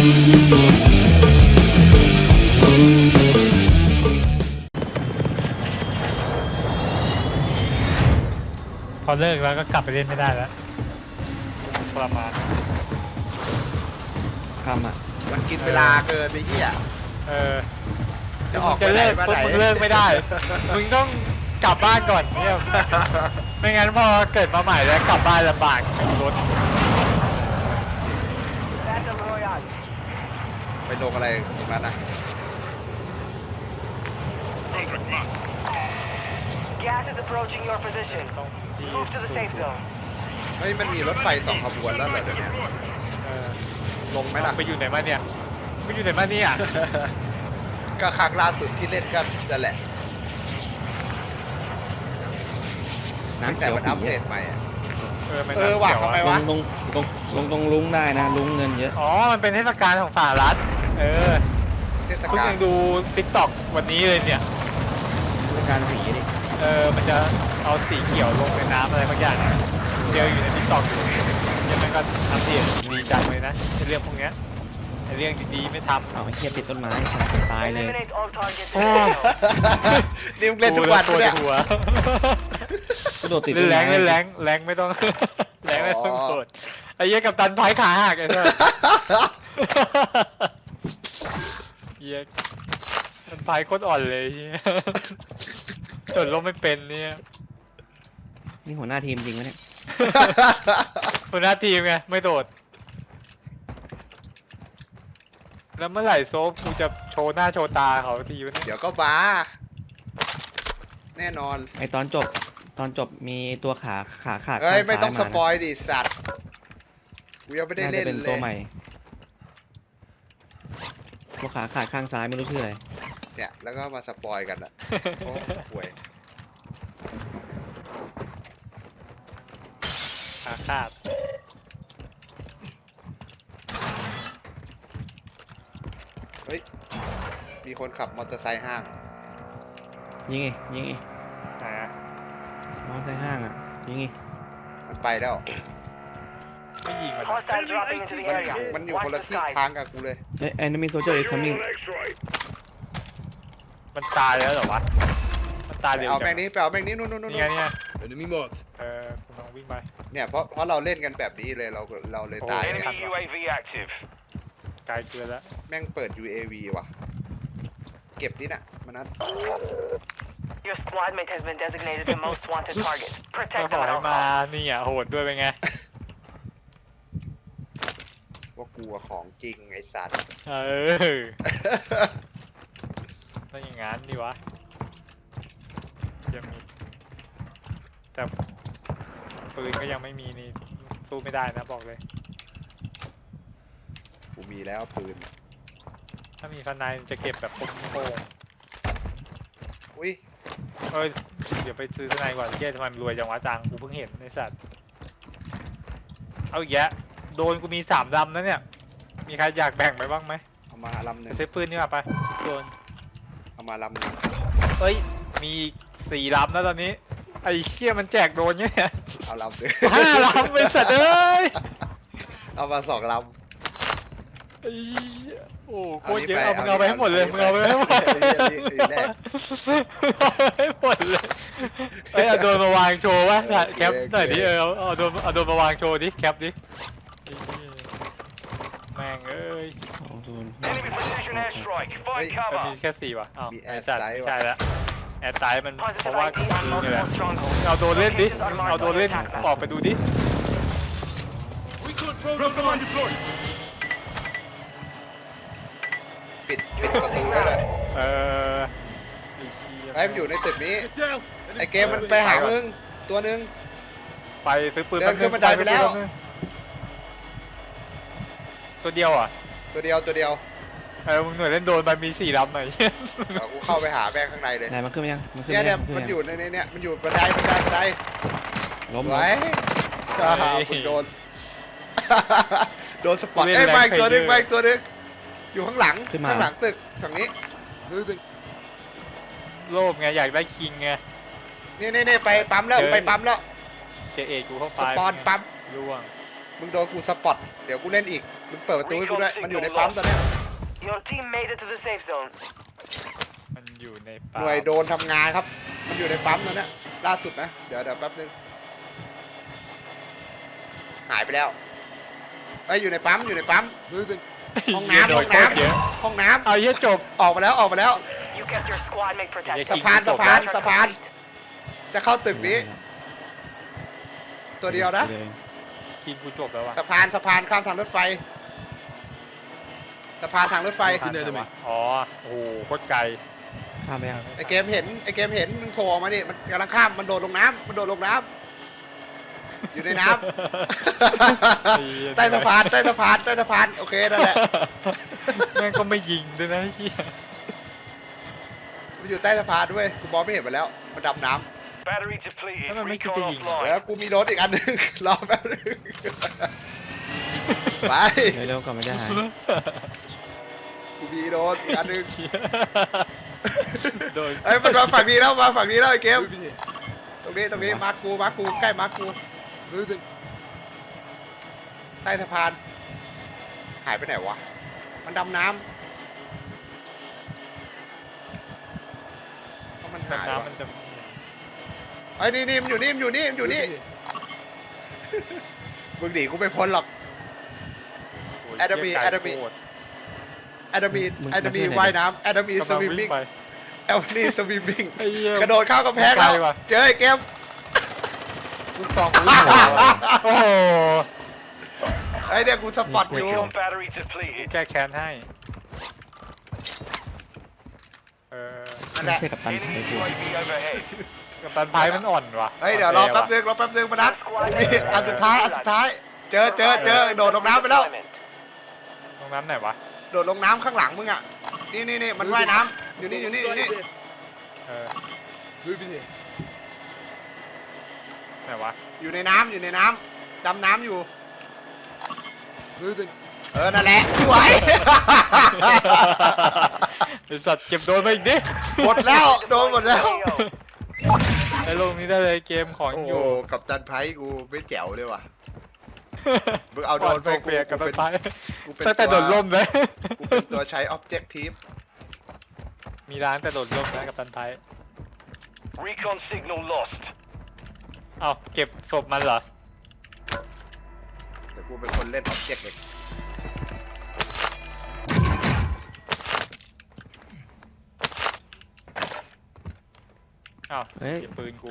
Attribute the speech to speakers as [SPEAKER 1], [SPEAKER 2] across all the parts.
[SPEAKER 1] พอเลิกแล้วก็กลับไปเล่นไม่ได้แล้วประมาณ
[SPEAKER 2] ทำอ่ะ
[SPEAKER 3] มันกินเวลาเกินไปเหี้ยจะออก
[SPEAKER 1] จะเลิก
[SPEAKER 3] มาไหน
[SPEAKER 1] มึงเลิกไม่ได้มึงต้องกลับบ้านก่อนเนี่ยไม่งั้นพอเกิดมาใหม่แล้วกลับบ้านลำบากรถ
[SPEAKER 3] ไปลงอะไรตรงนั้นอ่ะ
[SPEAKER 4] Gas is approaching your position. Move to the safe zone.
[SPEAKER 3] เฮ้ยมันมีรถไฟ2 ขบวนแล้วเหรอเดี๋ยวนี้ลงไหมล่ะ
[SPEAKER 1] ไปอยู่ไหนมาเนี่ยไม่อยู่ไหนมาเนี่ย
[SPEAKER 3] ก็ครั้งล่าสุดที่เล่นก็นั่นแหละตั้งแต่มันอัปเดตใหม่ว่ะทำไมวะ
[SPEAKER 2] ลงตรงลุงได้นะลุงเงินเยอะ
[SPEAKER 1] อ๋อมันเป็นเทศกาลของสหรัฐ
[SPEAKER 3] เทศ
[SPEAKER 1] เพิ่ง
[SPEAKER 3] กาล
[SPEAKER 1] ยังดู TikTok วันนี้เลยเนี่ย
[SPEAKER 2] เทศกาลสีดิ
[SPEAKER 1] มันจะเอาสีเขียวลงในน้ำอะไรบางอย่างเดียวอยู่ใน TikTok อยู่ยังไม่ก็ทำเสียงดีจังเลยนะในเรื่องพวกนี้ในเรื่องดีๆไม่ทำ
[SPEAKER 2] เอาไปเทียบติดต้นไม้ตายเลย
[SPEAKER 4] Eliminate all targets.
[SPEAKER 3] นี่มึงเล่นทุกวันเนี่ย
[SPEAKER 2] กระโดดติด
[SPEAKER 1] เล่นแรงไม่ต้องแรงไม่ต้องโกรธไอ้เหี้ยกับตันพายขาหักไอ้เจ้าเหี้ยมันพายโคตรอ่อนเลยเหี้ยโดดลงไม่เป็นเนี่ย
[SPEAKER 2] นี่หัวหน้าทีมจริงไหมเนี่ย
[SPEAKER 1] หัวหน้าทีมไงไม่โดดแล้วเมื่อไหร่โซฟกูจะโชว์หน้าโชว์ตาเขาทีวะเนี่ย
[SPEAKER 3] เดี๋ยวก็บ้าแน่นอน
[SPEAKER 2] ไอตอนจบมีตัวขาขาด
[SPEAKER 3] เฮ้ยไม่ต้องสปอยดิสัตว์กูยังไม่ได้เล่นเลย
[SPEAKER 2] เป็นตัวใหม่ตัวขาขาดข้างซ้ายไม่รู้ชื่ออะไร
[SPEAKER 3] เนี่ยแล้วก็มาสปอยกันอ่ะโอ้ห่วย
[SPEAKER 1] ขาขาด
[SPEAKER 3] เฮ้ยมีคนขับมอเตอร์ไซค์ห้าง
[SPEAKER 2] ยิงไงมอเตอร์ไซค์ห้างอ่ะยิงไง
[SPEAKER 3] มันไปแล้ว
[SPEAKER 1] ไม่ยิง
[SPEAKER 3] มันอยู่คนละที่ทางกับกูเลย
[SPEAKER 2] enemy soldier is coming
[SPEAKER 1] มันตายแล้วเหรอวะมันตายเร็ว
[SPEAKER 3] เอาแม่งนี้ไปเอาแม่งนี้นู่น
[SPEAKER 1] นี่ไงเนี่ย
[SPEAKER 3] enemy mod
[SPEAKER 1] คุณลองวิ่งไป
[SPEAKER 3] เนี่ยเพราะเราเล่นกันแบบนี้เลยเราเลยตายเนี่ย
[SPEAKER 1] ไกลเกินแล้ว
[SPEAKER 3] แม่งเปิด UAV ว่ะเก็บนี่นะมันนั้น
[SPEAKER 4] Your squad mate has been designated the most wanted target. Protect them at all
[SPEAKER 1] มานี่อ่ะโหดด้วยเป็นไง
[SPEAKER 3] ว่ากูของจริงไอ้สัตว์
[SPEAKER 1] ต้องอย่างงั้นดิวะยังมีแต่ปืนก็ยังไม่มีนี่สู้ไม่ได้นะบอกเลย
[SPEAKER 3] กูมีแล้วปืน
[SPEAKER 1] ถ้ามีฟันในจะเก็บแบบโป่ง
[SPEAKER 3] อุ้ย
[SPEAKER 1] เดี๋ยวไปซื้อฟันในก่อนเจ๊ทำไมมันรวยจังวะจังกูเพิ่งเห็นในสัตว์เอาอีกแยะโดนกูมี3 ลำนะเนี่ยมีใครอยากแบ่งไปบ้างไหม
[SPEAKER 3] เอามาลำหนึ่ง
[SPEAKER 1] ซื้อปืนนี่มาไปโดน
[SPEAKER 3] เอามาลำหนึ่ง
[SPEAKER 1] มี4 ลำแล้วตอนนี้ไอ้เชี่ยมันแจกโดนเนี่ย
[SPEAKER 3] เอาลำหนึ่ง
[SPEAKER 1] 5 ลำเป็นสัตว์เอ้ย
[SPEAKER 3] เอามา2 ลำ
[SPEAKER 1] โอ้โคตรเยอะมึงเอาไปให้หมดเลยมึงเอาไปให้หมดให้หมดเลยเอาโดนมาวางโชว์วะแคปหน่อยดิเอาโดนมาวางโชว์ดิแคปดิแม่งเอ้ยมันมีแค่4 ว่ะมีแอร์สไตล์ใช่แล้วแอร์สไตล์มันเพราะว่านี่แหละเอาโดนเล่นดิเอาโดนเล่นออกไปดูดิ
[SPEAKER 3] ปิดประตูได้เลยไอ้มันอยู่ในตึกนี้ไอ้เกมมันไปหามึงตัวนึง
[SPEAKER 1] ไปซื้อปืน
[SPEAKER 3] เดินขึ้นบันไดไปแล้ว
[SPEAKER 1] ตัวเดียวอ่ะ
[SPEAKER 3] ตัวเดียว
[SPEAKER 1] มึงหน่วยเล่นโดนไปมี4 ลำหน่อย
[SPEAKER 3] กูเข้าไปหาแม่ข้างในเลย
[SPEAKER 2] ไหนมันขึ้นยัง
[SPEAKER 3] เนี่ยมันอยู่ในเนี่ยมันอยู่บันได
[SPEAKER 2] ล้ม
[SPEAKER 3] ไว้คุณโดนสปอตไปตัวนึงอยู่ข้างหลังตึกฝั่งนี้
[SPEAKER 1] โลภไงอยากได้คิงไง
[SPEAKER 3] นี่ไปปั๊มแล้ว
[SPEAKER 1] เจเอกกูเข้าไป
[SPEAKER 3] สปอนปั๊ม
[SPEAKER 1] ร่วง
[SPEAKER 3] มึงโดนกูสปอตเดี๋ยวกูเล่นอีกมึงเปิดประตูให้กูด้วยมันอยู่ในปั๊มตอนเนี้ย
[SPEAKER 4] Your team made it to the safe zone.
[SPEAKER 1] มันอยู่ใน
[SPEAKER 3] ห
[SPEAKER 1] ป่า
[SPEAKER 3] น่วยโดนทำงานครับ มันอยู่ในปั๊มตอนเนี้ยล่าสุดนะเดี๋ยวแป๊บนึงหายไปแล้วไอ้ยอยู่ในปั๊มอยู่ในปั๊มห้องน้ำ
[SPEAKER 1] โด
[SPEAKER 3] ห้
[SPEAKER 1] น
[SPEAKER 3] องน้
[SPEAKER 1] โคตรเยอะ
[SPEAKER 3] ำห้องน้
[SPEAKER 1] เอาเหี้ยจบ
[SPEAKER 3] ำออกมาแล้วออกมาแล้ว
[SPEAKER 4] You kept your squad mate protected.
[SPEAKER 1] สะ
[SPEAKER 3] สะพานสะพานสะพาน จะเข้าตึกนี้ ตัวเดียวนะ
[SPEAKER 1] ทีมกูจบแล้วว่ะ
[SPEAKER 3] สะพานข้ามทางรถไฟสะพานทางรถไฟ
[SPEAKER 1] ทันไหมวะอ๋อโอ้โหโคตรไกล
[SPEAKER 2] ข้ามไปยัง
[SPEAKER 3] ไอเกมเห็นมึงโผล่ออกมาดิมันกำลังข้ามมันโดดลงน้ำอยู่ในน้ำ ใต้สะพานโอเคนั่นแหละ
[SPEAKER 1] แม่งก็ไม่ยิงด้วยนะเฮีย
[SPEAKER 3] มันอยู่ใต้สะพานด้วยกูมองไม่เห็นมันแล้วมันดำน้
[SPEAKER 4] Battery depleted.
[SPEAKER 1] Ano, may
[SPEAKER 4] Recon
[SPEAKER 1] kikiling.
[SPEAKER 3] ำ
[SPEAKER 4] offline.
[SPEAKER 3] แล้วกูมีรถอีกอันหนึง รอแป๊บนึงไป
[SPEAKER 2] เร็วๆก่อนไม่ได้หาย
[SPEAKER 3] กูมีรถอีกอันหนึง
[SPEAKER 1] โดน
[SPEAKER 3] เอ้ยมันมาฝั่งนี้แล้วไอ้เกมตรงนี้มาร์คกูใกล้มาร์คกูใต้สะพานหายไปไหนวะมันดำน้ำเพราะมันหาย
[SPEAKER 1] น้ำ
[SPEAKER 3] วะ
[SPEAKER 1] มันจะ
[SPEAKER 3] ไอ้ยนี่มันอยู่นี่มึงหนีกูไม่พ้นหรอก
[SPEAKER 1] โอ้ย
[SPEAKER 3] แอดมี
[SPEAKER 1] เหี้ย
[SPEAKER 3] แอดมี
[SPEAKER 1] โคตร
[SPEAKER 3] แอดมีว่ายน้ำแอดมีส
[SPEAKER 1] กำลัง
[SPEAKER 3] วิม
[SPEAKER 1] วิ่
[SPEAKER 3] มิ่
[SPEAKER 1] ง
[SPEAKER 3] ง
[SPEAKER 1] ไป
[SPEAKER 3] แอดมีสวิมมิ่ง
[SPEAKER 1] ไอ้เหี้ย
[SPEAKER 3] กระโดดเข้ากำแพงแล้ว
[SPEAKER 1] ไกลว่ะ
[SPEAKER 3] เจอไอ้เกม
[SPEAKER 1] ลูกซองกูวิ่งหัวว่ะโอ้โห
[SPEAKER 3] ไอ้เนี่ยกูสปอตอยู่
[SPEAKER 4] Recon battery
[SPEAKER 1] กู
[SPEAKER 4] depleted.
[SPEAKER 1] แก้แค้นให้
[SPEAKER 3] นั่นแหละ
[SPEAKER 2] ไม่ใช่กับตันไทย
[SPEAKER 4] Enemy
[SPEAKER 2] กู
[SPEAKER 4] UAV overhead.
[SPEAKER 1] กับตันไพ่มันอ่อนว่ะ
[SPEAKER 3] เฮ้ยเดี๋ยวรอแป๊บนึงมานัดมีอันสุดท้ายเจอโดดลงน้ำไปแล้ว
[SPEAKER 1] ตรงนั้นไหนวะ
[SPEAKER 3] โดดลงน้ำข้างหลังมึงอ่ะนี่มันว่ายน้ำอยู่นี่
[SPEAKER 1] เออไหนวะ
[SPEAKER 3] อยู่ในน้ำดำน้ำอยู่นั่นแหละสวย
[SPEAKER 1] ไอสัตว์เก็บโดนไปอีกดิ
[SPEAKER 3] หมดแล้วโดนหมดแล้ว
[SPEAKER 1] ไอลงนี้ได้เลยเกมของ
[SPEAKER 3] โอ้
[SPEAKER 1] อยู่
[SPEAKER 3] กับตันไพกูไม่แจ๋วเลยว่ะมึงเอาโดนไป
[SPEAKER 1] เปลี่ยนกับตันไพ่
[SPEAKER 3] กูเป็น
[SPEAKER 1] ตั้งแต่โดดร่มเลย
[SPEAKER 3] กูเป็นตัวใช้ objective
[SPEAKER 1] มีร้านแต่โดดร่มนะกับตันไพ่
[SPEAKER 4] Recon signal lost.
[SPEAKER 1] เอ้าเก็บศพมันเหรอ
[SPEAKER 3] แต่กูเป็นคนเล่น object เอง
[SPEAKER 1] เอ้า
[SPEAKER 2] เฮ้ย
[SPEAKER 1] เก็บปืนกู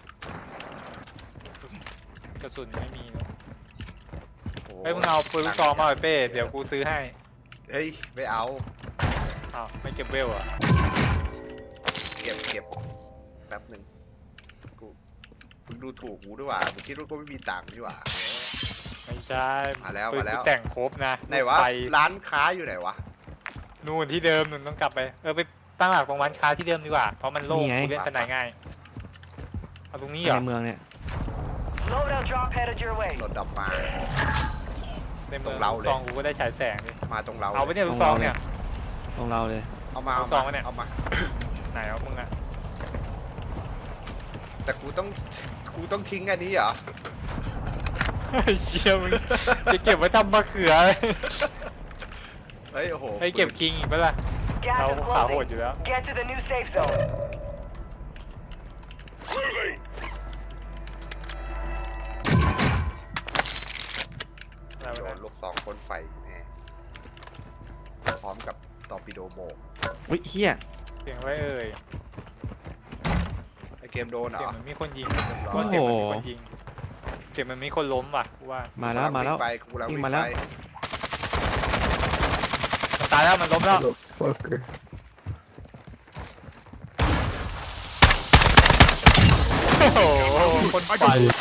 [SPEAKER 1] กระสุนไม่มีเนอะ
[SPEAKER 3] โอ้
[SPEAKER 1] เฮ้ยมึงเอาปืนลูกซองมาหน่อยเป้เดี๋ยวกูซื้อให้
[SPEAKER 3] เฮ้ยไม่เอา
[SPEAKER 1] อ้าวไม่เก็บเวลเหรอ่ะ
[SPEAKER 3] เก็บแป๊บหนึ่งกูมึงดูถูกกูด้วยว่ะมึงคิดว่ากูไม่มีตังค์ดีกว่า
[SPEAKER 1] ไม่ใช่
[SPEAKER 3] มาแล้ว
[SPEAKER 1] ปืน
[SPEAKER 3] มาแล้ว
[SPEAKER 1] กูแต่งครบนะ
[SPEAKER 3] ไหนวะ
[SPEAKER 1] ไป
[SPEAKER 3] ร้านค้าอยู่ไหนวะ
[SPEAKER 1] นู่นที่เดิมนู่นต้องกลับไปไปตั้งหลักตรงร้านค้าที่เดิมดีกว่าเพราะมันโล่ง
[SPEAKER 2] นี่ไง
[SPEAKER 1] กูเล่นสนายง่ายเอาตรงนี้เหรอ
[SPEAKER 2] ในเมืองเนี่ย
[SPEAKER 4] Loadout drop headed your way.
[SPEAKER 3] รถดับมา
[SPEAKER 1] ในเมื
[SPEAKER 3] ตร
[SPEAKER 1] อง
[SPEAKER 3] งเรา
[SPEAKER 1] ลูก
[SPEAKER 3] เลย
[SPEAKER 1] ซองกูก็ได้ฉายแสงดิ
[SPEAKER 3] มาตรงเรา
[SPEAKER 1] เอาไปเนี่ยลูกซองเนี่ย
[SPEAKER 2] ตรงเราเลย
[SPEAKER 3] เอามา
[SPEAKER 1] ลูกซองวะเนี่ย
[SPEAKER 3] เอามา
[SPEAKER 1] ไหนเอามึงอะ
[SPEAKER 3] แต่กูต้องทิ้งอันนี้เหรอ
[SPEAKER 1] เชี่ยมึงจะเก็บไว้ทำมะเขือ
[SPEAKER 3] เฮ้ยโอ้โห
[SPEAKER 1] ไอ้ยเก็บคิงอีกปะล่ะ
[SPEAKER 4] Gas
[SPEAKER 1] เรา
[SPEAKER 4] is
[SPEAKER 1] ขาโหด
[SPEAKER 4] closing.
[SPEAKER 1] อยู่แล้ว
[SPEAKER 4] Get to the new safe zone.
[SPEAKER 1] อะไร
[SPEAKER 3] โด
[SPEAKER 1] วะ
[SPEAKER 3] น
[SPEAKER 1] เนี่ย
[SPEAKER 3] ลูกซองพ่นไฟแน่พร้อมกับตอร์ปิโดโบก
[SPEAKER 2] อุ้ยเฮีย
[SPEAKER 1] เสียงไว้เอ่ย
[SPEAKER 3] ไอเกมโดนเหร
[SPEAKER 1] เสีย
[SPEAKER 3] อง
[SPEAKER 1] มันมีคนยิง
[SPEAKER 3] เรียบร้อย
[SPEAKER 1] ว่าเสียงมันมีคนยิงเสียงมันมีคนล้มว่ะกูว่า
[SPEAKER 2] มาแล้วมาแล้ว
[SPEAKER 3] ไปกูกำลัง
[SPEAKER 2] วิ่
[SPEAKER 3] วิ่
[SPEAKER 2] ง
[SPEAKER 3] ง
[SPEAKER 2] มาแล้ว
[SPEAKER 3] ไป
[SPEAKER 1] มันตายแล้วมันล้มแล้วโอ้โหคนไป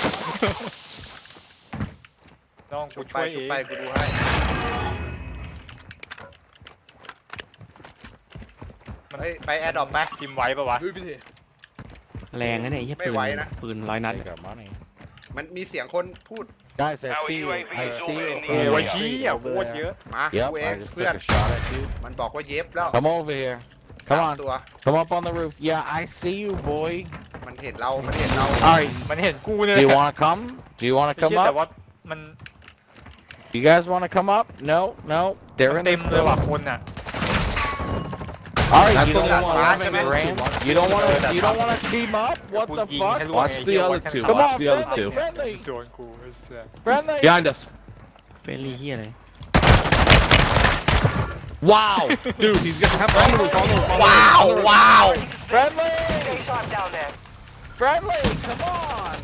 [SPEAKER 1] น้องกู
[SPEAKER 3] ชุบไป
[SPEAKER 1] ช่วยเอ
[SPEAKER 3] ชุบ
[SPEAKER 1] ง
[SPEAKER 3] ไปกูดูให้ เฮ้ยไปแอร์ดรอปไป
[SPEAKER 1] ทีมไว้ปะวะ
[SPEAKER 2] แรงนะเนี่ยไอ้เฮีย
[SPEAKER 3] ไม่
[SPEAKER 2] ปืน
[SPEAKER 3] ไหวนะ
[SPEAKER 2] ปืน100 นัด
[SPEAKER 5] They got money.
[SPEAKER 3] มันมีเสียงคนพูด
[SPEAKER 5] Guys, I
[SPEAKER 4] Our
[SPEAKER 5] see you.
[SPEAKER 4] UAV
[SPEAKER 5] I
[SPEAKER 4] is
[SPEAKER 5] see
[SPEAKER 4] over
[SPEAKER 5] you.
[SPEAKER 4] in the
[SPEAKER 1] โอ้
[SPEAKER 4] area.
[SPEAKER 1] ยชี้อ่ะโคตรเยอะ
[SPEAKER 3] มา
[SPEAKER 5] Yep,
[SPEAKER 3] กูเอง
[SPEAKER 5] I just
[SPEAKER 3] เพื่อน
[SPEAKER 5] took a shot at you.
[SPEAKER 3] มันบอกว่าเย็บแล้ว
[SPEAKER 5] Come over here.
[SPEAKER 3] สาม
[SPEAKER 5] Come on.
[SPEAKER 3] ตัว
[SPEAKER 5] Come up on the roof. Yeah, I see you, boy.
[SPEAKER 3] มันเห็นเรา
[SPEAKER 5] All right.
[SPEAKER 1] มันเห็นกูเนี่ย
[SPEAKER 5] Do you want to come? Do you want to
[SPEAKER 1] ไอ้
[SPEAKER 5] come
[SPEAKER 1] เชี่ยแต่
[SPEAKER 5] up?
[SPEAKER 1] ว่ามัน
[SPEAKER 5] You guys want to come up? No, no. They're
[SPEAKER 1] มัน
[SPEAKER 5] in
[SPEAKER 1] เต็
[SPEAKER 5] this
[SPEAKER 1] มเลยว่ะ
[SPEAKER 5] building.
[SPEAKER 1] คนอ่ะ
[SPEAKER 5] All right,
[SPEAKER 3] That's
[SPEAKER 5] you don't
[SPEAKER 3] what
[SPEAKER 5] want
[SPEAKER 3] I'm
[SPEAKER 5] to
[SPEAKER 3] saying.
[SPEAKER 5] Rand? You don't want to. You don't want to team up? What the fuck?
[SPEAKER 6] Watch the other two.
[SPEAKER 5] Come
[SPEAKER 6] Watch
[SPEAKER 5] on,
[SPEAKER 6] the other
[SPEAKER 5] friendly,
[SPEAKER 6] two.
[SPEAKER 5] friendly,
[SPEAKER 1] โดนกูไอ้เสีย
[SPEAKER 5] friendly.
[SPEAKER 6] Behind us.
[SPEAKER 2] เฟรนลี่เฮียอะไร
[SPEAKER 6] Wow. Dude, he's got on the roof. On the roof.
[SPEAKER 3] ว้าว ว้าว
[SPEAKER 5] Friendly,
[SPEAKER 4] Stay sharp down there.
[SPEAKER 5] friendly. Come on.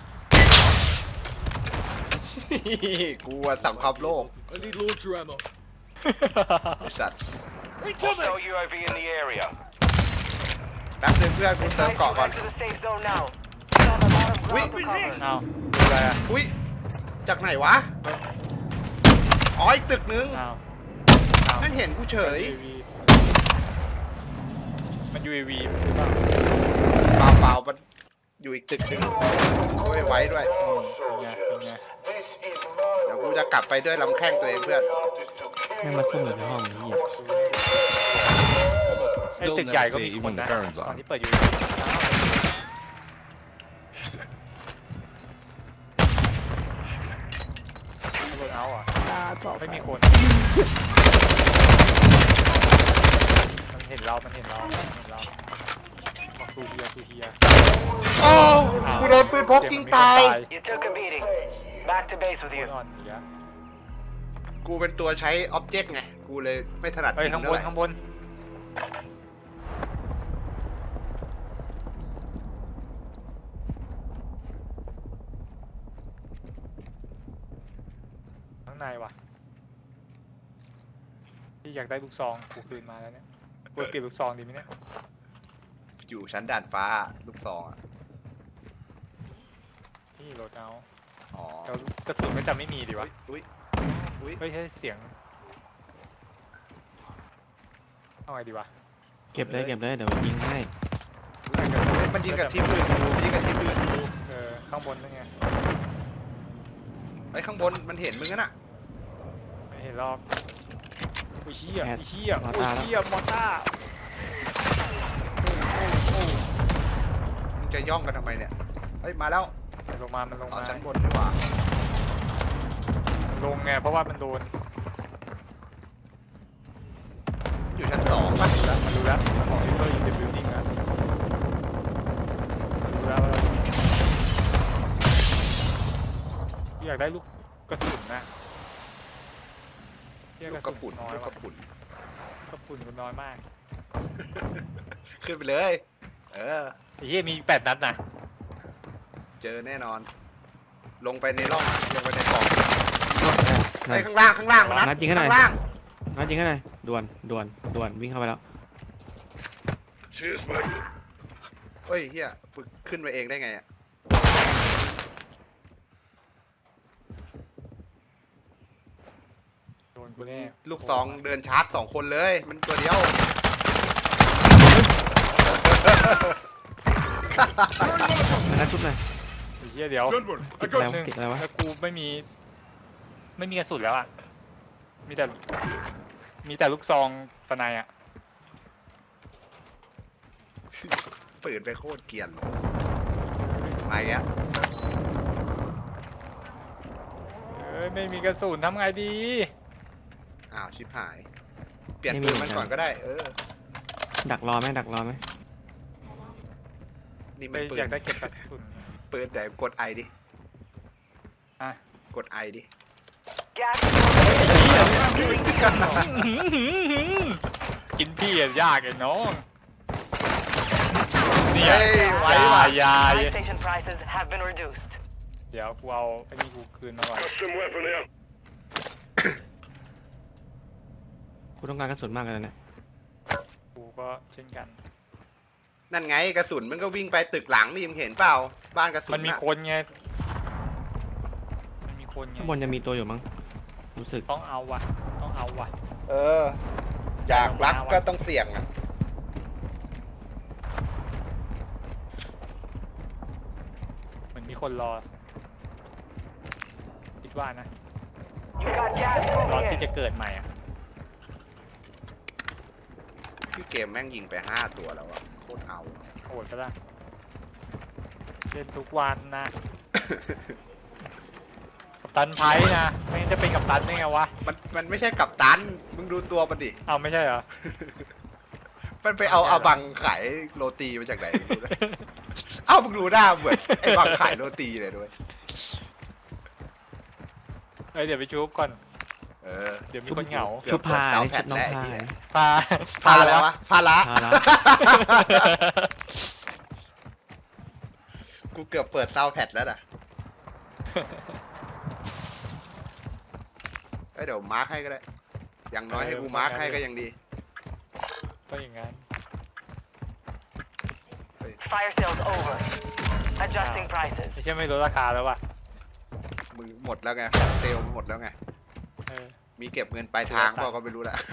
[SPEAKER 3] กูอะสั่งความโลภ
[SPEAKER 6] I need launcher ammo.
[SPEAKER 3] ไอ้สัตว์
[SPEAKER 4] Hostile UAV in the area.
[SPEAKER 3] แป๊บนึงเพื่อนกูเติม
[SPEAKER 4] Guys,
[SPEAKER 3] เกาะ
[SPEAKER 4] move
[SPEAKER 3] ก่อน
[SPEAKER 4] back to the safe zone now. We have a lot of ground to cover.
[SPEAKER 1] เอาดูอะไรอ่ะ
[SPEAKER 3] อุ้ย จากไหนวะ อ๋อ อีกตึกนึง
[SPEAKER 1] เอา
[SPEAKER 3] นั่นเห็นกูเฉย
[SPEAKER 1] มัน UAV หรือเปล่า
[SPEAKER 3] เปล่ามันอยู่อีกตึกนึงช่วยไว้ด้วย
[SPEAKER 1] เป็นไงเป็นไง
[SPEAKER 3] เดี๋ยวกูจะกลับไปด้วยลำแข้งตัวเองเพื่อน
[SPEAKER 2] แม่งมาซุ่มอยู่ในห้องนี้เฮีย
[SPEAKER 1] ไอ้
[SPEAKER 6] Still
[SPEAKER 1] ตึกใหญ่
[SPEAKER 6] never
[SPEAKER 1] ก็
[SPEAKER 6] say
[SPEAKER 1] มี
[SPEAKER 6] even
[SPEAKER 1] คน
[SPEAKER 6] the
[SPEAKER 1] นะ
[SPEAKER 6] turns
[SPEAKER 1] ตอน
[SPEAKER 6] on.
[SPEAKER 1] ที่เปิด UAV ไม่โดนเอาอ่ะไม่มีคนมันเห็นเรา มันเห็นเราบอกตูเฮียตูเฮีย
[SPEAKER 3] โอ้กูโดนปืนพกยิงตาย
[SPEAKER 4] You took a beating. Back to base with
[SPEAKER 1] คน
[SPEAKER 4] you.
[SPEAKER 1] อ่อนอีกแล้ว
[SPEAKER 3] กูเป็นตัวใช้ออบเจกต์ไง กูเลยไม่ถนัด
[SPEAKER 1] เฮ้ย
[SPEAKER 3] ยิง
[SPEAKER 1] ข้าง
[SPEAKER 3] เท่า
[SPEAKER 1] บ
[SPEAKER 3] ไห
[SPEAKER 1] น
[SPEAKER 3] ร่
[SPEAKER 1] ข้างบนข้างในว่ะที่อยากได้ลูกซองกูคืนมาแล้วเนี่ยกูเปลี่ยนลูกซองดีไหมเนี่ย
[SPEAKER 3] อยู่ชั้นด่านฟ้าลูกซองอ่ะ
[SPEAKER 1] นี่โหลดเอา
[SPEAKER 3] อ๋อ
[SPEAKER 1] แต่กระสุนก็จะไม่มีดีวะ
[SPEAKER 3] อุ้ยอุ้ย
[SPEAKER 1] เฮ้ยใช่เสียงเอาไงดีวะ
[SPEAKER 2] เก็บเลยเก็บเลยเดี๋ยวยิงให้
[SPEAKER 3] มันยิงกับทีมอื่นกูยิงกับทีมอื่นกู
[SPEAKER 1] ข้างบนนั่นไง
[SPEAKER 3] ไอ้ข้างบนมันเห็นมึงน่ะ
[SPEAKER 1] ไม่เห็นหรอกอุ้ยเชี่ย
[SPEAKER 2] แอด
[SPEAKER 1] อุ้ยเชี่ย
[SPEAKER 2] มอ
[SPEAKER 1] อุ้
[SPEAKER 2] ต้าย แล้ว
[SPEAKER 1] เชี่ยมอต้า
[SPEAKER 3] มึงจะย่องกันทำไมเนี่ย เฮ้ย มาแล้ว
[SPEAKER 1] มันลงมามันลง
[SPEAKER 3] เอา
[SPEAKER 1] มา
[SPEAKER 3] ชั้นบนดีกว่า
[SPEAKER 1] มันลงไงเพราะว่ามันโดน
[SPEAKER 3] อยู่ชั้นสองป่ะ
[SPEAKER 1] มันรู้แล้วมันบอกลิเวอร์อินเดอะบิลดิ้งนะรู้แล้วว่าเราอยากได้ลูกกระสุนนะเที่ย
[SPEAKER 3] ลู
[SPEAKER 1] ก
[SPEAKER 3] ก
[SPEAKER 1] ระ
[SPEAKER 3] ก
[SPEAKER 1] สุ
[SPEAKER 3] ระ
[SPEAKER 1] น
[SPEAKER 3] ปุ่น
[SPEAKER 1] น้อย
[SPEAKER 3] ลูกก
[SPEAKER 1] ว่ะ
[SPEAKER 3] ระปุ่น
[SPEAKER 1] กระสุนกูน้อยมาก
[SPEAKER 3] ขึ้นไปเลย เออ
[SPEAKER 1] ไอ้เหี้ยมี8 นัดนะ
[SPEAKER 3] เจอแน่นอน ลงไปในร่อง ลงไปในกล่อง
[SPEAKER 2] นั่
[SPEAKER 3] ไอ้
[SPEAKER 2] น
[SPEAKER 3] ข้างล่าง ข้างล่างมันนัด
[SPEAKER 2] นัดยิงให้หน่อย
[SPEAKER 3] ข้างล่าง
[SPEAKER 2] นัดยิงให้หน่อยด่วนด่วนด่วนวิ่งเข้าไปแล้ว
[SPEAKER 6] Cheers, mate.
[SPEAKER 3] เฮ้ยเฮียฝึกขึ้นไปเองได้ไงอ่ะ
[SPEAKER 1] โดนกูแน่
[SPEAKER 3] ลูกซองเดินชาร์จ2 คนเลย มันตัวเดียว
[SPEAKER 2] นัดชุบหน่อย
[SPEAKER 1] ไอ้เหี้ยเดี๋ยว
[SPEAKER 6] Good one.
[SPEAKER 2] ติ
[SPEAKER 6] I
[SPEAKER 2] ดอะไร
[SPEAKER 6] got
[SPEAKER 2] วะติดอะไรวะ
[SPEAKER 1] แล้วกูไม่มีกระสุนแล้วอ่ะ มีแต่ลูกซองปะไนอ่ะ
[SPEAKER 3] ปืนไปโคตรเกรียนเลยมาอีกแล้ว
[SPEAKER 1] ไม่มีกระสุนทำไงดี
[SPEAKER 3] อ้าว ชิบหาย เปลี่ยนปืนมันก่อนก็ได้ เออ
[SPEAKER 2] ดักรอไหมดักรอไหม
[SPEAKER 3] นี่
[SPEAKER 1] ไป
[SPEAKER 3] มันปื
[SPEAKER 1] อน ยากได้เก็บกระสุน
[SPEAKER 3] ปืนแต่กดไอดิ
[SPEAKER 1] อ่ะ
[SPEAKER 3] กดไอดิ
[SPEAKER 4] Gas.
[SPEAKER 1] กินพี่อะยากไอ้น้องเนี่ย
[SPEAKER 3] เฮ้ยไหวว่ะ
[SPEAKER 1] ยา
[SPEAKER 4] Buy station prices have been reduced.
[SPEAKER 1] เดี๋ยวกูเอาไอ้นี่กูคืนมาก่อน
[SPEAKER 6] custom weapon here.
[SPEAKER 2] กูต้องการกระสุนมากเลยนะ
[SPEAKER 1] กูก็เช่นกัน
[SPEAKER 3] นั่นไงกระสุนมันก็วิ่งไปตึกหลังนี่มึงเห็นเปล่า บ้านกระสุน
[SPEAKER 1] มันมี
[SPEAKER 3] น่ะ
[SPEAKER 1] คนไงมันมีคนไง
[SPEAKER 2] ข้างบนจะมีตัวอยู่มั้งรู้สึก
[SPEAKER 1] ต้องเอาว่ะต้องเอาว่ะ
[SPEAKER 3] เออ อยากรักก็ต้องเสี่ยงอ่ะ
[SPEAKER 1] เหมือนมีคนรอคิดว่านะ
[SPEAKER 4] You got gas
[SPEAKER 1] รอ
[SPEAKER 4] moving
[SPEAKER 1] ที่
[SPEAKER 4] in.
[SPEAKER 1] จะเกิดใหม่อ่ะ
[SPEAKER 3] พี่เกมแม่งยิงไป5 ตัวแล้วอะโคตรเอา
[SPEAKER 1] โหดปะล่ะเล่นทุกวันนะตันไพ่นะไม่งั้นจะเป็นกับตันได้ไงวะ
[SPEAKER 3] มันไม่ใช่กัปตัน มึงดูตัวมันดิ
[SPEAKER 1] เอาไม่ใช่เหรอ
[SPEAKER 3] มันไปเอาอาบังขายโรตีมาจากไหนไม่รู้นะ เอ้ามึงดูหน้าเหมือนไอ้บังขายโรตีเลยด้วย
[SPEAKER 1] เอ้ยเดี๋ยวไปชุบก่อน
[SPEAKER 3] เออ
[SPEAKER 1] เดี๋ยวมีคนเหงา
[SPEAKER 3] เกื
[SPEAKER 2] ชุ
[SPEAKER 3] อ
[SPEAKER 2] บบ ผ้า
[SPEAKER 3] เปิดเตา
[SPEAKER 2] นี่
[SPEAKER 3] แผ่
[SPEAKER 2] ชุ
[SPEAKER 3] น
[SPEAKER 2] บน้อง
[SPEAKER 3] แรก
[SPEAKER 2] ผ้า
[SPEAKER 3] ไอ้เหี้ย
[SPEAKER 1] พา
[SPEAKER 3] พาอะไรวะพาละ
[SPEAKER 2] ผ้าละ
[SPEAKER 3] กูเกือบเปิดเตาแผ่นแล้วน่ะเอ้ยเดี๋ยวมาร์คให้ก็ได้ อย่างน้อยให้กูมาร์คให้ก็ยังดี
[SPEAKER 1] ก็อย่างงั้น
[SPEAKER 4] Fire sales over. Adjusting prices.
[SPEAKER 1] ไม่ใช่ไม่ลดราคาแล้ววะ
[SPEAKER 3] มึงหมดแล้วไงเซลล์หมดแล้วไง
[SPEAKER 1] เออ
[SPEAKER 3] มีเก็บเงินปลายทางเปล่าก็ไม่รู้ละ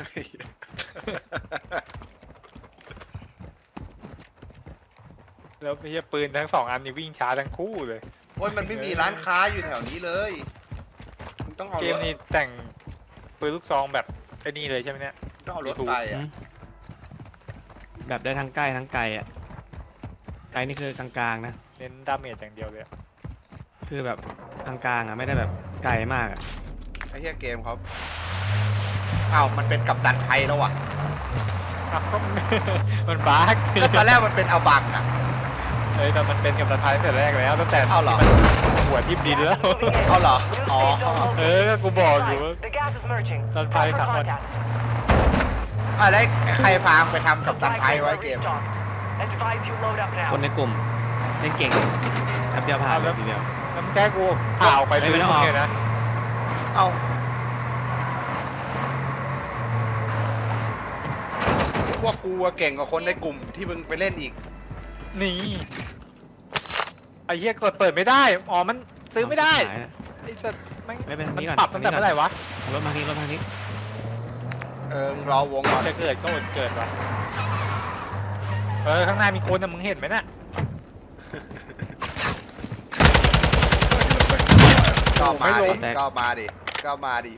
[SPEAKER 1] แล้วไอ้เหี้ยปืนทั้งสองอันนี้วิ่งช้าทั้งคู่เลย
[SPEAKER 3] โอ้ยมันไม่มีร้านค้าอยู่แถวนี้เลยมึงต้องเอา
[SPEAKER 1] เก
[SPEAKER 3] ร
[SPEAKER 1] ม
[SPEAKER 3] ถ
[SPEAKER 1] นี้แต่งปืนลูกซองแบบไอ้นี่เลยใช่ไหมเนี่ย
[SPEAKER 3] ต้องเอารถไปอ่ะ
[SPEAKER 2] แบบได้ทั้งใกล้ทั้งไกลอ่ะไกลนี่คือกลางๆนะ
[SPEAKER 1] เน้นดาเมจอย่างเดียวเลยอะ
[SPEAKER 2] คือแบบกลางๆอ่ะไม่ได้แบบไกลมากอ่ะ
[SPEAKER 3] ไอ้เหี้ยเกมเขาอ้าวมันเป็นกัปตันไทยแล้วอ่ะ
[SPEAKER 1] อ้าว มันบั๊ก
[SPEAKER 3] ก็ตอนแรกมันเป็นอาบังอ่ะ
[SPEAKER 1] เอ้ยแต่มันเป็นกับสะพายตั้งแต่แรกแล้วตั้งแต่
[SPEAKER 3] เอาเหรอ
[SPEAKER 1] มันหัวทิ่มดินแล้ว
[SPEAKER 3] เอาเหรอ
[SPEAKER 4] New
[SPEAKER 3] อ๋อ
[SPEAKER 4] safe zone
[SPEAKER 1] เอ
[SPEAKER 4] located.
[SPEAKER 1] อก็กูบอกอยู่ว่า
[SPEAKER 4] The gas is merging.
[SPEAKER 1] Don't
[SPEAKER 4] Call
[SPEAKER 1] fight,
[SPEAKER 4] for
[SPEAKER 1] come on.
[SPEAKER 4] contact.
[SPEAKER 3] อะไรใครพาไปทำกัปตัน
[SPEAKER 4] Supply
[SPEAKER 3] ไทย
[SPEAKER 4] crates
[SPEAKER 3] ไว้
[SPEAKER 4] are
[SPEAKER 3] เกม
[SPEAKER 4] restocked. Advise you load up
[SPEAKER 2] คน
[SPEAKER 4] now.
[SPEAKER 2] ในกลุ่มเล่นเก่งแป๊บเดียวผ่านเลยทีเดียว
[SPEAKER 1] แล้วมันแค่กูข่าวไปเลย
[SPEAKER 2] ไม่ต้องออก
[SPEAKER 1] เนี่ยนะ
[SPEAKER 3] เอาพวกกูอะเก่งกว่าคนในกลุ่มที่มึงไปเล่นอีก
[SPEAKER 1] นี่ไอ้เหี้ยกดเปิดไม่ได้ อ๋อ มันซื้อไม่ได้
[SPEAKER 2] ขายนะ
[SPEAKER 1] ไอ้สัตว์มัน
[SPEAKER 2] ไม่เป็น
[SPEAKER 1] มัน
[SPEAKER 2] นี่ก่อน
[SPEAKER 1] ปรับตั้งแต่
[SPEAKER 2] นี่ก่อน
[SPEAKER 1] เมื่อไหร่วะ
[SPEAKER 2] รถมาทีรถมาที
[SPEAKER 3] มึงรอวงก่อน
[SPEAKER 1] จะเกิดก็อดเกิดวะข้างหน้ามีคนนะมึงเห็นไหมน่ะ
[SPEAKER 3] ก็มา
[SPEAKER 1] ไม่ล้
[SPEAKER 3] ดิ
[SPEAKER 1] ม
[SPEAKER 3] ก็มาดิก็มาดิ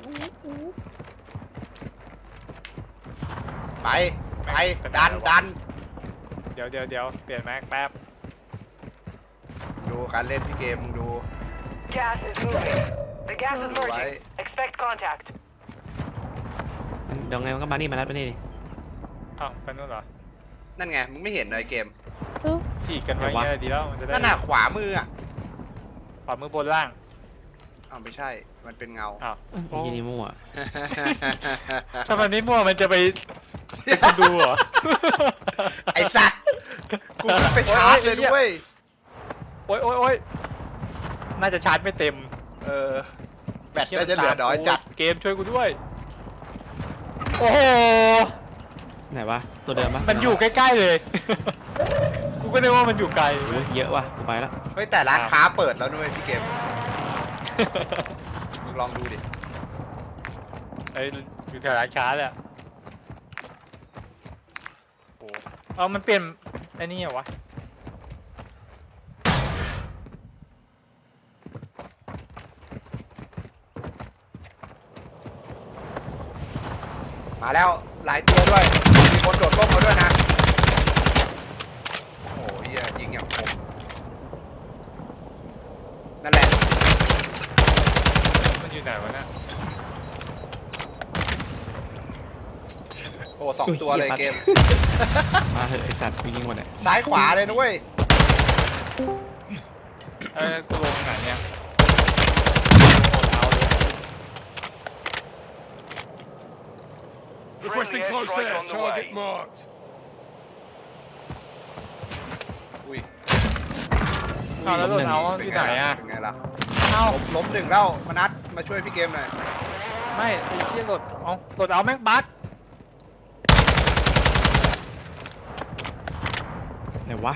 [SPEAKER 3] ไปไปดัน
[SPEAKER 1] เดี๋ยวเปลี่ยนแม็กแป๊บ
[SPEAKER 3] ดูการเล่นพี่เกมมึงดู
[SPEAKER 4] Gas is moving. The gas is
[SPEAKER 3] Right.
[SPEAKER 4] merging. Expect contact.
[SPEAKER 2] เดี๋ยวไงมันก็มานี่มานัดไปนี่ดิ
[SPEAKER 1] อ้าวไปนู่นเหรอ
[SPEAKER 3] นั่นไงมึงไม่เห็นเลยเกม
[SPEAKER 1] ฉีกกันไว้
[SPEAKER 2] ไหนวะ
[SPEAKER 1] เงี้ยดีแล้วมันจะได้
[SPEAKER 3] นั่นน่ะขวามืออ่ะ
[SPEAKER 1] ขวามือบนล่าง
[SPEAKER 3] อ้าวไม่ใช่ มันเป็นเงา
[SPEAKER 1] อ้าว
[SPEAKER 2] ไอ้ยี่นี่มั่ว
[SPEAKER 1] ถ้ามันไม่มั่วมันจะไปเป็นคนดูเหรอ
[SPEAKER 3] ไอ้สัตว์กูเพิ่งไปชาร์จเลยด้วย
[SPEAKER 1] โอ๊ยน่าจะชาร์จไม่เต็ม
[SPEAKER 3] แบตก็จะเหลือน้อยจัด
[SPEAKER 1] เกมช่วยกูด้วย โอ้โห
[SPEAKER 2] ไหนวะตัวเดิมปะ
[SPEAKER 1] มันอยู่ใกล้ๆเลย กูก็นึกว่ามันอยู่ไกล
[SPEAKER 2] โอ้ยเยอะว่ะกูไปละ
[SPEAKER 3] เฮ้ยแต่ร้านค้าเปิดแล้วด้วยพี่เกมมึงลองดูดิ
[SPEAKER 1] ไอ้อยู่แถวร้านค้าเลยอะโอ้เอามันเปลี่ยนไอ้นี่เหรอวะ
[SPEAKER 3] มาแล้วหลายตัวด้วย มีคนโดดร่มมาด้วยนะ โอ้ยยิงอย่างคมนั่นแหละ
[SPEAKER 1] มันอยู่ไหนวะเนี่ย
[SPEAKER 3] โอ้สองตัวเลยเกม
[SPEAKER 2] มาเถอะไอสัตว์กูยิงหมดเลย
[SPEAKER 3] ซ้ายขวาเลยนะเว้ย
[SPEAKER 1] กูลงไหนเนี่ยเอาเลย
[SPEAKER 6] Requesting
[SPEAKER 4] Friendly
[SPEAKER 6] close
[SPEAKER 4] airstrike
[SPEAKER 6] air.
[SPEAKER 4] on the
[SPEAKER 6] Target
[SPEAKER 4] way.
[SPEAKER 6] marked.
[SPEAKER 3] อุ้ย
[SPEAKER 1] เอาแล้วโดนเอาที่ไหนอะ
[SPEAKER 3] เป็นไงล่ะ
[SPEAKER 1] เอา
[SPEAKER 3] ล้มหนึ่งแล้วมานัดมาช่วยพี่เกมหน่อย
[SPEAKER 1] ไม่ไอ้เชี่ยกดเอากดเอาแม่งบั๊ก
[SPEAKER 2] ไหนวะ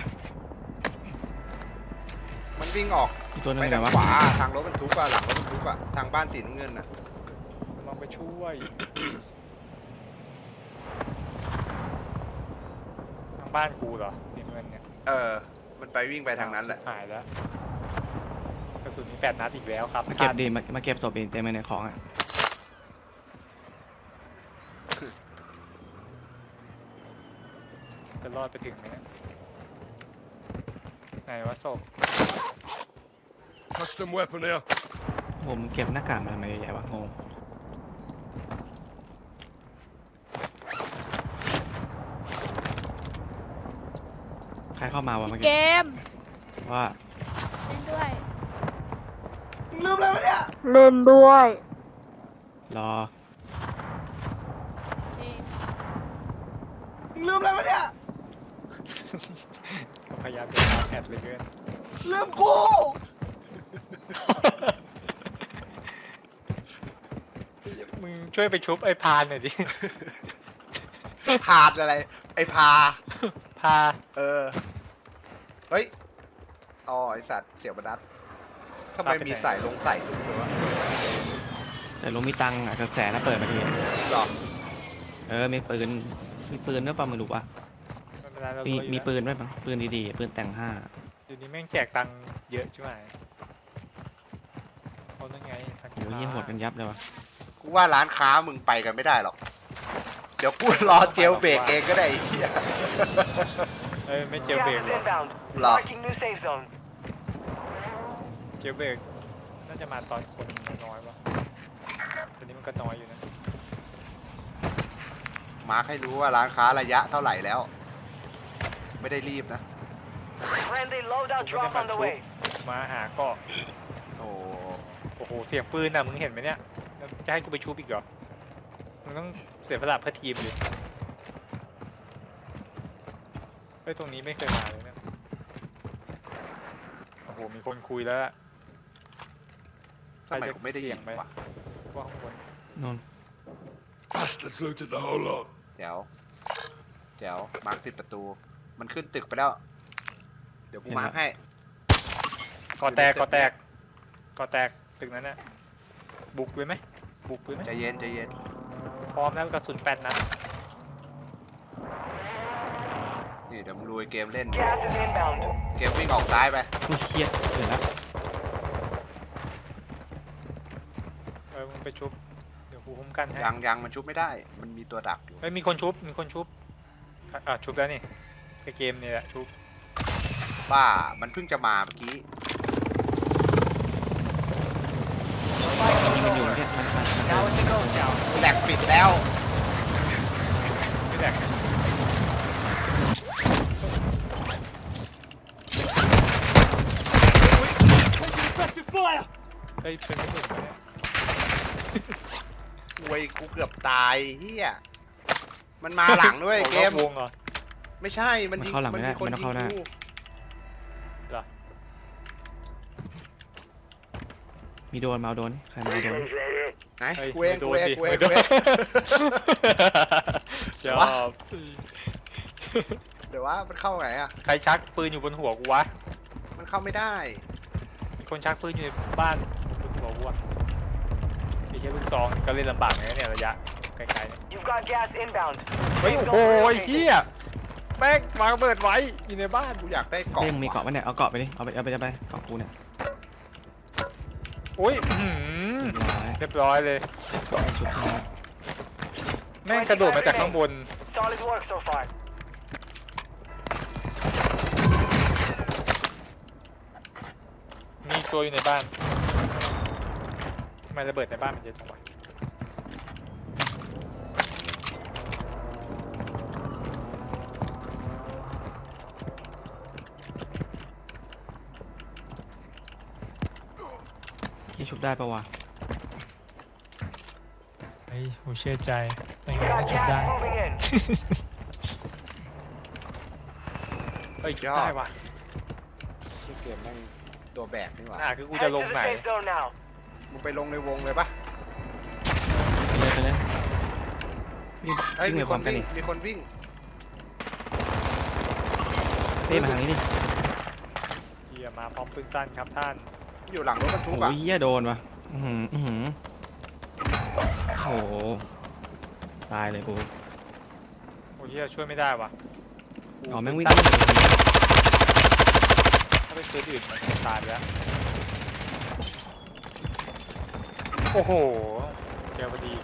[SPEAKER 3] มันวิ่งออก
[SPEAKER 2] อีกตัวหนึง
[SPEAKER 3] ไป
[SPEAKER 2] ไหน
[SPEAKER 3] ทาง
[SPEAKER 2] วะ
[SPEAKER 3] ขวาทางรถบรรทุกอะหลังรถบรรทุกอะทางบ้านสีน้ำเงินอะ
[SPEAKER 1] ลองไปช่วยทางบ้านกูเหรอนี่เงินเนี่ย
[SPEAKER 3] มันไปวิ่งไปทางนั้นแหละ
[SPEAKER 1] หายแล้วกระสุนมี8 นัดอีกแล้วครับ
[SPEAKER 2] มาเก็บดิมาเก็บศพดิเต็มไปในของอ่ะ
[SPEAKER 1] จะรอดไปถึงไหมเนี่ยไหนวะศพ
[SPEAKER 6] Custom weapon here.
[SPEAKER 2] ผมเก็บหน้ากากมาทำไมเยอะแยะวะงงใครเข้ามาวะเมื่อ
[SPEAKER 7] เก
[SPEAKER 2] กี้
[SPEAKER 7] ม
[SPEAKER 2] ว่า
[SPEAKER 7] เล่นด้วย
[SPEAKER 3] ลืมอะไรวะเนี่ย
[SPEAKER 7] เล่นด้วย
[SPEAKER 2] รอ
[SPEAKER 7] เกม
[SPEAKER 3] ลืมอะไรวะเนี่ย
[SPEAKER 1] ก็พยายามจะตามแอดเลยเกิน
[SPEAKER 3] ลืมกู
[SPEAKER 1] มึงช่วยไปชุบไอ้พานหน่อยดิ
[SPEAKER 3] พาดอะไร ไอ้พา
[SPEAKER 1] พา
[SPEAKER 3] เออ เฮ้ย อ๋อ ไอสัตว์เสียบนัดทำไมมีใส่ลงใส่ลุงเลยวะ
[SPEAKER 2] แต่ลุงมีตังค์อ่ะกระแสนะเปิดมาที
[SPEAKER 3] หรอ
[SPEAKER 2] มีปืนด้วยป่ะไม่รู้ป่ะ
[SPEAKER 1] ไม่เป็นไรเรา
[SPEAKER 2] มี
[SPEAKER 1] รวยอยู่
[SPEAKER 2] มี
[SPEAKER 1] แล้ว
[SPEAKER 2] ปืนด้วยป่ะปืนดีๆปืนแต่ง5
[SPEAKER 1] เดี๋ยวนี้แม่งแจกตังค์เยอะใช่ไหมเขานั่นไงสัก
[SPEAKER 2] เดี๋ยวยี่หดกันยับเลยวะ
[SPEAKER 3] กูว่าร้านค้ามึงไปกันไม่ได้หรอก เดี๋ยวกูรอเจลเบรกเองก็ได้ไอ้เหี้ย
[SPEAKER 1] เอ้ยไม่เจล
[SPEAKER 4] Gas
[SPEAKER 1] เบรก
[SPEAKER 4] is
[SPEAKER 1] หรอก
[SPEAKER 4] inbound.
[SPEAKER 3] Lock.
[SPEAKER 4] Marking new safe zone.
[SPEAKER 1] เจลเบรกน่าจะมาตอนคนน้อยวะตอนนี้มันก็น้อยอยู่นะ
[SPEAKER 3] มาร์คให้รู้ว่าร้านค้าระยะเท่าไหร่แล้ว ไม่ได้รีบนะ
[SPEAKER 4] Friendly loadout drop on the way.
[SPEAKER 1] มาหาก็
[SPEAKER 3] โอ้
[SPEAKER 1] โอ้โหเสียงปืนน่ะมึงเห็นไหมเนี่ยแล้วจะให้กูไปชุบอีกเหรอมึงต้องเสียสละเพื่อทีมดิเฮ้ยตรงนี้ไม่เคยมาเลยเนี่ยโอ้โหมีคนคุยแล้วล่ะ
[SPEAKER 3] ทำไมกูไม่ได้ยิน
[SPEAKER 1] เสียงไหม
[SPEAKER 3] วะ
[SPEAKER 1] ว่าข้างบน
[SPEAKER 2] นน
[SPEAKER 6] Bastards looted the whole lot.
[SPEAKER 3] แจ๋วแจ๋วมาร์คติดประตู มันขึ้นตึกไปแล้ว เดี๋ยวกูมาร์คให้
[SPEAKER 1] ก่อแตกก่อแตกก่อแตกตึกนั้นน่ะบุกเลยไหมบุกเลยไหม
[SPEAKER 3] ใจเย็นใจเย็น
[SPEAKER 1] พร้อมแล้วกระสุน8 นัด
[SPEAKER 3] นี่เดี๋ยวมึงดูไอ้เกมเล่น
[SPEAKER 4] Gas is inbound.
[SPEAKER 3] เกมวิ่งออกซ้ายไป
[SPEAKER 2] กูเครียดเดี๋ยวนะ
[SPEAKER 1] มึงไปชุบเดี๋ยวกูคุ้มกันให้
[SPEAKER 3] ยังมันชุบไม่ได้ มันมีตัวดักอยู่
[SPEAKER 1] เฮ้ยมีคนชุบชุบแล้วนี่ในเกมนี่แหละชุบ
[SPEAKER 3] บ้า มันเพิ่งจะมาเมื่อกี้
[SPEAKER 2] นี่มันอยู่เนี่ยมัน
[SPEAKER 4] Now it's a ghost town.
[SPEAKER 3] แหลกปิดแล้ว
[SPEAKER 1] ไม่แดกเฮ้ยเป็นไม่ถูกเลย
[SPEAKER 3] เว้ยกูเกือบตายเฮียมันมาหลังด้วยเกม
[SPEAKER 1] วงเหรอ
[SPEAKER 3] ไม่ใช่ มันยิง
[SPEAKER 2] เข้าหลังไม่ได้
[SPEAKER 3] มีคน
[SPEAKER 2] มัน
[SPEAKER 3] ยิ
[SPEAKER 2] เข้าง หน้า
[SPEAKER 3] กู
[SPEAKER 1] เหรอ
[SPEAKER 2] มีโดนมาเอาโดนใครมาเอาโดน
[SPEAKER 3] ไหน
[SPEAKER 1] เฮ้ย
[SPEAKER 3] กูเอง
[SPEAKER 1] ไม่โด
[SPEAKER 3] กู
[SPEAKER 1] น
[SPEAKER 3] เอง
[SPEAKER 1] ดิ
[SPEAKER 3] กูเอง
[SPEAKER 1] ไม่โด
[SPEAKER 3] กู
[SPEAKER 1] น
[SPEAKER 3] เอง
[SPEAKER 1] ชอบ
[SPEAKER 3] เดี๋ยวว่ามันเข้าไงอ่ะ
[SPEAKER 1] ใครชักปืนอยู่บนหัวกูวะ
[SPEAKER 3] มันเข้าไม่ได้
[SPEAKER 1] มีคนชักปืนอยู่ในบ้านบนหัวกูอะมีแค่ลูกซองก็เล่นลำบากเลยนะเนี่ยระยะไกลๆเนี่ย
[SPEAKER 4] You've got gas inbound.
[SPEAKER 1] เฮ้ย
[SPEAKER 4] Safe
[SPEAKER 1] โอ้
[SPEAKER 4] zone
[SPEAKER 1] โห
[SPEAKER 4] relocated.
[SPEAKER 1] เฮียแม่งวางระเบิดไว้อยู่ในบ้าน
[SPEAKER 3] กูอยากได้กล่อง
[SPEAKER 2] เต้มึงมีเกาะปะเนี่ยเอาเกาะไปดิเอาไปเกาะกูเนี่ย
[SPEAKER 1] โอ้ยเรียบร้อยเลย
[SPEAKER 2] ชุดที่แล้ว
[SPEAKER 1] แม่งกระโดดมาจากข้างบน
[SPEAKER 4] Solid work so far.
[SPEAKER 1] มีตัวอยู่ในบ้านทำไมระเบิดในบ้านมันเยอะจังวะ
[SPEAKER 2] ที่ชุบได้ปะวะ
[SPEAKER 1] ไอ้โหเชื่อใจไม่
[SPEAKER 4] You
[SPEAKER 1] งั้น
[SPEAKER 4] got
[SPEAKER 1] ไม่ชุบ
[SPEAKER 4] gas
[SPEAKER 1] ได้
[SPEAKER 4] moving in.
[SPEAKER 1] เฮ้ยชุบได้ว่ะ
[SPEAKER 3] ชื่อเกมแม่งตัวแบกนี่หว่า
[SPEAKER 1] คือกูจะ
[SPEAKER 4] Head
[SPEAKER 1] ล
[SPEAKER 4] to
[SPEAKER 1] ง
[SPEAKER 4] the
[SPEAKER 1] ไหน
[SPEAKER 4] safe zone now.
[SPEAKER 3] มึงไปลงในวงเลยปะ
[SPEAKER 2] ไปเลยวิ่ง
[SPEAKER 3] เฮ้ย
[SPEAKER 2] วิ่ง
[SPEAKER 3] มี
[SPEAKER 2] ไป
[SPEAKER 3] ค
[SPEAKER 2] พร้อน มกัน
[SPEAKER 3] วิ่ง
[SPEAKER 2] ดิ
[SPEAKER 3] มีคนวิ่ง
[SPEAKER 2] เต้มาทางนี้ดิ
[SPEAKER 1] เฮียมาพร้อมปืนสั้นครับท่าน
[SPEAKER 3] อยู่หลังรถบรรทุก
[SPEAKER 2] โอ้
[SPEAKER 3] อ่ะ
[SPEAKER 2] ยเหี้ยโดนวะอื้อหือโอ้โหตายเลยกู
[SPEAKER 1] โอ้เฮียช่วยไม่ได้ว่ะ
[SPEAKER 2] อ๋อแม่งวิ่ง
[SPEAKER 1] ถ้าเป็นปืนอื่นมันตายไปแล้วโอ้โหเจอพอดี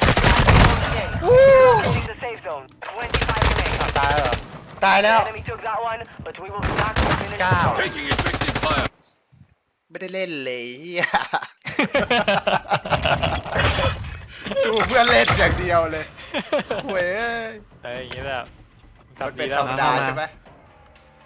[SPEAKER 4] Leaving the safe zone. 25 remain.
[SPEAKER 1] ตายแล้วเหรอ
[SPEAKER 3] ตายแล้ว
[SPEAKER 4] Enemy took that one, but we will not finish.
[SPEAKER 1] 9
[SPEAKER 6] Taking effective fire.
[SPEAKER 3] ไม่ได้เล่นเลยเฮีย ดูเพื่อนเล่นอย่างเดียวเลยเว้ย
[SPEAKER 1] อย่างนี้แหละ
[SPEAKER 3] มันเป็น
[SPEAKER 1] ทำดีแล้ว
[SPEAKER 3] ธรรมดาใช่ไหม